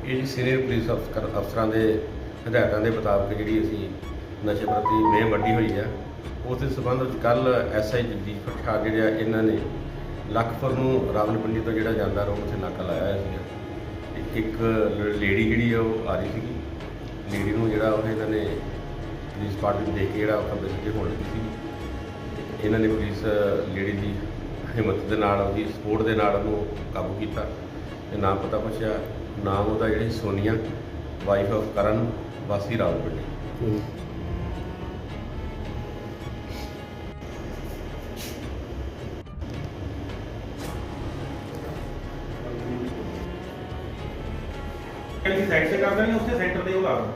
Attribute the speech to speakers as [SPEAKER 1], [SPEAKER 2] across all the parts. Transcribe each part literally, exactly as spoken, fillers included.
[SPEAKER 1] ਇਹ ਜੀ senior police ਅਫਸਰ ਅਫਸਰਾਂ ਦੇ ਹਦਾਇਤਾਂ ਦੇ ਮੁਤਾਬਕ ਜਿਹੜੀ ਅਸੀਂ ਨਸ਼ੇ ਪ੍ਰਤੀ ਮੁਹਿੰਮ ਵੱਡੀ ਹੋਈ ਹੈ, ਉਸ ਦੇ ਸੰਬੰਧ ਵਿੱਚ ਕੱਲ ਐਸ ਆਈ ਜਗਦੀਪ ਠਾਕ ਜਿਹੜੇ ਆ ਇਹਨਾਂ ਨੇ ਲੱਖਪੁਰ ਨੂੰ ਰਾਵਲਪਿੰਡੀ ਤੋਂ ਜਿਹੜਾ ਜਾਂਦਾ ਰੋਡ ਉੱਥੇ ਨਾਕਾ ਲਾਇਆ ਹੋਇਆ ਸੀਗਾ। ਤੇ ਇੱਕ ਲੇਡੀ ਜਿਹੜੀ ਆ ਉਹ ਆ ਰਹੀ ਸੀਗੀ। ਲੇਡੀ ਨੂੰ ਜਿਹੜਾ ਉਹ ਇਹਨਾਂ ਨੇ ਪੁਲਿਸ ਪਾਰਟੀ ਨੂੰ ਦੇਖ ਕੇ ਜਿਹੜਾ ਉਹ ਖੱਬੇ ਸੱਜੇ ਹੋਣ ਲੱਗੀ ਸੀ। ਇਹਨਾਂ ਨੇ ਪੁਲਿਸ ਲੇਡੀ ਦੀ ਹਿੰਮਤ ਦੇ ਨਾਲ, ਉਹਦੀ ਸਪੋਰਟ ਦੇ ਨਾਲ ਉਹਨੂੰ ਕਾਬੂ ਕੀਤਾ ਤੇ ਨਾਮ ਪਤਾ ਪੁੱਛਿਆ। ਨਾਮ ਉਹਦਾ ਜਿਹੜੀ ਸੋਨੀਆ, ਵਾਈਫ ਆਫ ਕਰਨ, ਵਾਸੀ ਰਾਵਲਪਿੰਡੀ।
[SPEAKER 2] किसी साइड से करता नहीं, उससे सेंटर पे होगा।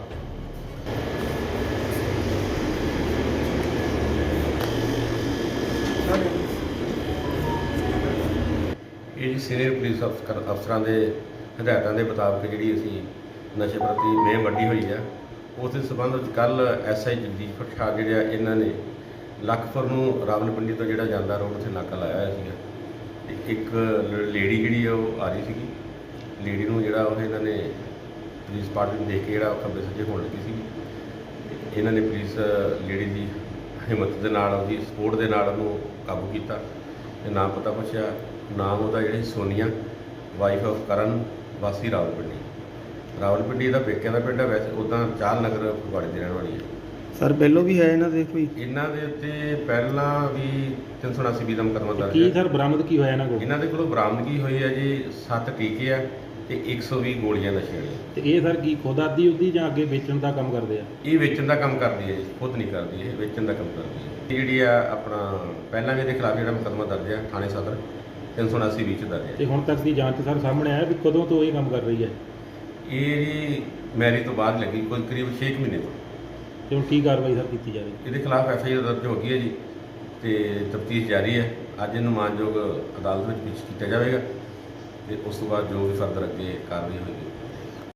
[SPEAKER 1] ਇਹ ਜੀ ਸੀਨੀਅਰ ਪੁਲਿਸ ਅਫਸਰ ਅਫਸਰਾਂ ਦੇ ਹਦਾਇਤਾਂ ਦੇ ਮੁਤਾਬਕ ਜਿਹੜੀ ਅਸੀਂ ਨਸ਼ੇ ਪ੍ਰਤੀ ਮੁਹਿੰਮ ਵੱਡੀ ਹੋਈ ਹੈ, ਉਸ ਦੇ ਸੰਬੰਧ ਵਿੱਚ ਕੱਲ ਐਸ ਆਈ ਜਗਦੀਪ ਠਾਕ ਜਿਹੜੇ ਆ ਇਹਨਾਂ ਨੇ ਲੱਖਪੁਰ ਨੂੰ ਰਾਵਲਪਿੰਡੀ ਤੋਂ ਜਿਹੜਾ ਜਾਂਦਾ ਰੋਡ ਉੱਥੇ ਨਾਕਾ ਲਾਇਆ ਹੋਇਆ ਸੀਗਾ। ਤੇ ਇੱਕ ਲੇਡੀ ਜਿਹੜੀ ਆ ਉਹ ਆ ਰਹੀ ਸੀਗੀ। ਲੇਡੀ ਨੂੰ ਜਿਹੜਾ ਉਹ ਇਹਨਾਂ ਨੇ ਪੁਲਿਸ ਪਾਰਟੀ ਨੂੰ ਦੇਖ ਕੇ ਜਿਹੜਾ ਉਹ ਖੱਬੇ ਸੱਜੇ ਹੋਣ ਲੱਗੀ ਸੀਗੀ। ਇਹਨਾਂ ਨੇ ਪੁਲਿਸ ਲੇਡੀ ਦੀ ਹਿੰਮਤ ਦੇ ਨਾਲ, ਉਹਦੀ ਸਪੋਰਟ ਦੇ ਨਾਲ ਉਹਨੂੰ ਕਾਬੂ ਕੀਤਾ ਤੇ ਨਾਮ ਪਤਾ ਪੁੱਛਿਆ। ਨਾਮ ਉਹਦਾ ਜਿਹੜੀ ਸੋਨੀਆ, ਵਾਈਫ ਆਫ ਕਰਨ, ਵਾਸੀ ਰਾਵਲਪਿੰਡੀ। ਰਾਵਲਪਿੰਡੀ ਇਹਦਾ ਪੇਕਿਆਂ ਦਾ ਪਿੰਡ ਹੈ, ਵੈਸੇ ਉੱਦਾਂ ਚਾਲ ਨਗਰ ਫਗਵਾੜੇ ਦੀ ਰਹਿਣ ਵਾਲੀ ਹੈ।
[SPEAKER 3] ਸਰ ਪਹਿਲੋਂ ਵੀ ਹੈ ਇਹਨਾਂ ਦੇ ਕੋਈ?
[SPEAKER 1] ਇਹਨਾਂ ਦੇ ਉੱਤੇ ਪਹਿਲਾਂ ਵੀ ਤਿੰਨ ਸੌ ਉਨਾਸੀ ਬੀ ਦਾ ਮੁਕੱਦਮਾ ਦਰਜ
[SPEAKER 2] ਕੀ
[SPEAKER 1] ਹੈ।
[SPEAKER 2] ਸਰ ਬਰਾਮਦ ਕੀ ਹੋਇਆ ਇਹਨਾਂ ਕੋਲ?
[SPEAKER 1] ਇਹਨਾਂ ਦੇ ਕੋਲੋਂ ਬਰਾਮਦਗੀ ਹੋਈ ਹੈ ਜੀ ਸੱਤ ਟੀਕੇ ਆ ਤੇ ਇੱਕ ਸੌ ਵੀਹ ਗੋਲੀਆਂ ਨਸ਼ੇ ਵਾਲੀਆਂ।
[SPEAKER 2] ਤੇ ਇਹ ਸਰ ਕੀ ਖੁਦ ਆਦੀ ਉਦੀ ਜਾਂ ਅੱਗੇ ਵੇਚਣ ਦਾ ਕੰਮ ਕਰਦੇ ਆ?
[SPEAKER 1] ਇਹ ਵੇਚਣ ਦਾ ਕੰਮ ਕਰਦੀ ਹੈ ਜੀ, ਖੁਦ ਨਹੀਂ ਕਰਦੀ, ਇਹ ਵੇਚਣ ਦਾ ਕੰਮ ਕਰਦੀ ਹੈ। ਇਹ ਜਿਹੜੀ ਆ ਆਪਣਾ ਪਹਿਲਾਂ ਵੀ ਇਹਦੇ ਖਿਲਾਫ ਜਿਹੜਾ ਮੁਕੱਦਮਾ ਦਰਜ ਹੈ ਥਾਣੇ ਸਦਰ ਤਿੰਨ ਸੌ ਉਨਾਸੀ ਵਿੱਚ ਦਰਜ ਹੈ।
[SPEAKER 2] ਤੇ ਹੁਣ ਤੱਕ ਦੀ ਜਾਂਚ ਸਰ ਸਾਹਮਣੇ ਆਇਆ ਵੀ ਕਦੋਂ ਤੋਂ ਇਹ ਕੰਮ ਕਰ ਰਹੀ ਹੈ?
[SPEAKER 1] ਇਹ ਜੀ ਮੈਰਿਜ ਤੋਂ ਬਾਅਦ ਲੱਗੀ, ਕੋਈ ਕਰੀਬ ਛੇ ਕੁ ਮਹੀਨੇ ਤੋਂ।
[SPEAKER 2] ਤੇ ਹੁਣ ਕੀ ਕਾਰਵਾਈ ਸਰ ਕੀਤੀ ਜਾਵੇ?
[SPEAKER 1] ਇਹਦੇ ਖਿਲਾਫ ਐਫ ਆਈ ਆਰ ਦਰਜ ਹੋ ਗਈ ਹੈ ਜੀ ਤੇ ਤਫਤੀਸ਼ ਜਾਰੀ ਹੈ। ਅੱਜ ਇਹਨੂੰ ਮਾਨਯੋਗ ਅਦਾਲਤ ਵਿੱਚ ਪੇਸ਼ ਕੀਤਾ ਜਾਵੇਗਾ ਤੇ ਉਸ ਤੋਂ ਬਾਅਦ ਜੋ ਵੀ ਫਰਦਰ ਅੱਗੇ ਕਾਰਵਾਈ ਹੋਏਗੀ।